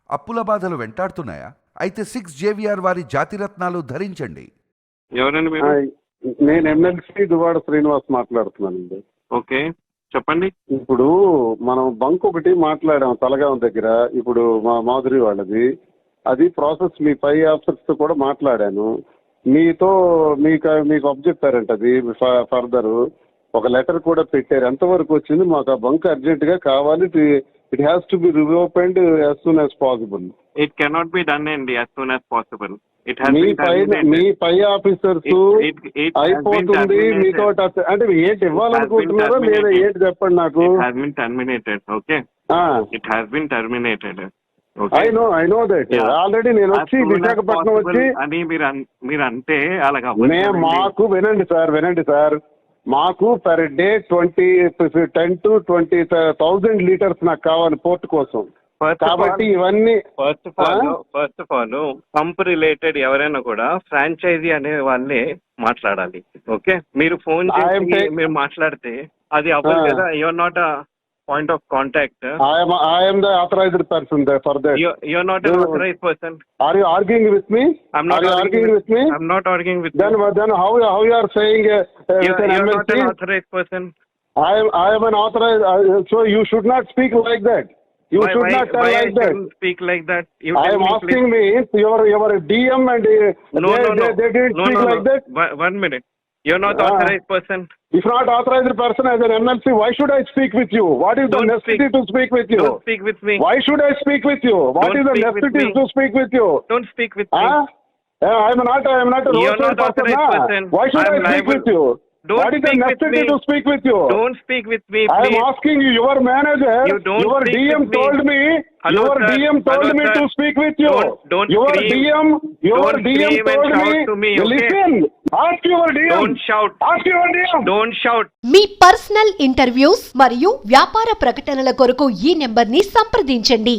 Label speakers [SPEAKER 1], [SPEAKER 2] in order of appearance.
[SPEAKER 1] అప్పుల బాధలు వెంటాడుతున్నాయా? అయితే 6 JVR వారి జాతిరత్నాలు ధరించండి.
[SPEAKER 2] ఎవరండి మీరు?
[SPEAKER 3] నేను ఎమ్మెల్సీ దువ్వాడ శ్రీనివాస్ మాట్లాడుతున్నానండి.
[SPEAKER 2] ఓకే, చెప్పండి.
[SPEAKER 3] ఇప్పుడు మనం బంక్ ఒకటి మాట్లాడాం తలగాం దగ్గర, ఇప్పుడు మా మాధురి వాళ్ళది. అది ప్రాసెస్ మీ పై ఆఫీసర్స్ తో కూడా మాట్లాడాను. మీకు అప్ చెప్పారంట. అది ఫర్దర్ ఒక లెటర్ కూడా పెట్టారు. ఎంతవరకు వచ్చింది? మాకు ఆ బంక్ అర్జెంట్ గా కావాలి. It has to be reopened as soon as possible.
[SPEAKER 2] It cannot be done అండి యాజ్ సూన్ యాజ్ పాసిబుల్.
[SPEAKER 3] మీ పై ఆఫీసర్స్ అయిపోతుంది మీతో అంటే ఏంటి ఇవ్వాలనుకుంటున్నారో లేదా ఏంటి చెప్పండి నాకు. I know that already. నేను వచ్చి విశాఖపట్నం వచ్చి
[SPEAKER 2] అని మీరు అంటే అలాగా
[SPEAKER 3] మాకు వినండి సార్, మాకు పర్ డే 10 to 20,000 లీటర్స్ నాకు కావాలి పోర్ట్ కోసం. కాబట్టి ఇవన్నీ
[SPEAKER 2] first of all pump related ఎవరైనా కూడా ఫ్రాంచైజీ అనే వాళ్ళే మాట్లాడాలి. ఓకే, మీరు ఫోన్ చేసి మీరు మాట్లాడితే అది అవ్వదు కదా. Your not a point of contact.
[SPEAKER 3] I am the authorized person there for that.
[SPEAKER 2] You're not an authorized person.
[SPEAKER 3] Are you arguing with me?
[SPEAKER 2] I'm not arguing with me. I'm not arguing with
[SPEAKER 3] then, you. Then how you are saying
[SPEAKER 2] you're not an authorized person.
[SPEAKER 3] I am an authorized. So you should not speak like that. You should not tell like that.
[SPEAKER 2] Speak like that.
[SPEAKER 3] I am asking me, your DM and they didn't speak like that.
[SPEAKER 2] 1 minute. You're not authorized person.
[SPEAKER 3] If not authorized person as an MLC, why should I speak with you? What is the necessity to speak with you?
[SPEAKER 2] Don't speak with me.
[SPEAKER 3] Why should I speak with you? What is the necessity to speak with you?
[SPEAKER 2] Don't speak with me.
[SPEAKER 3] I am not a
[SPEAKER 2] You're not authorized person.
[SPEAKER 3] Why should I speak with you? What is the necessity to speak with you?
[SPEAKER 2] Don't speak with me, please.
[SPEAKER 3] I am asking you, your manager, your DM told me, your DM told me to speak with you. Your DM told me, listen, ask your DM.
[SPEAKER 2] Don't shout.
[SPEAKER 3] Ask your DM.
[SPEAKER 2] Don't shout.
[SPEAKER 4] మీ personal interviews మరియు వ్యాపార ప్రకటనల కొరకు ఈ నెంబర్ని సంప్రదించండి.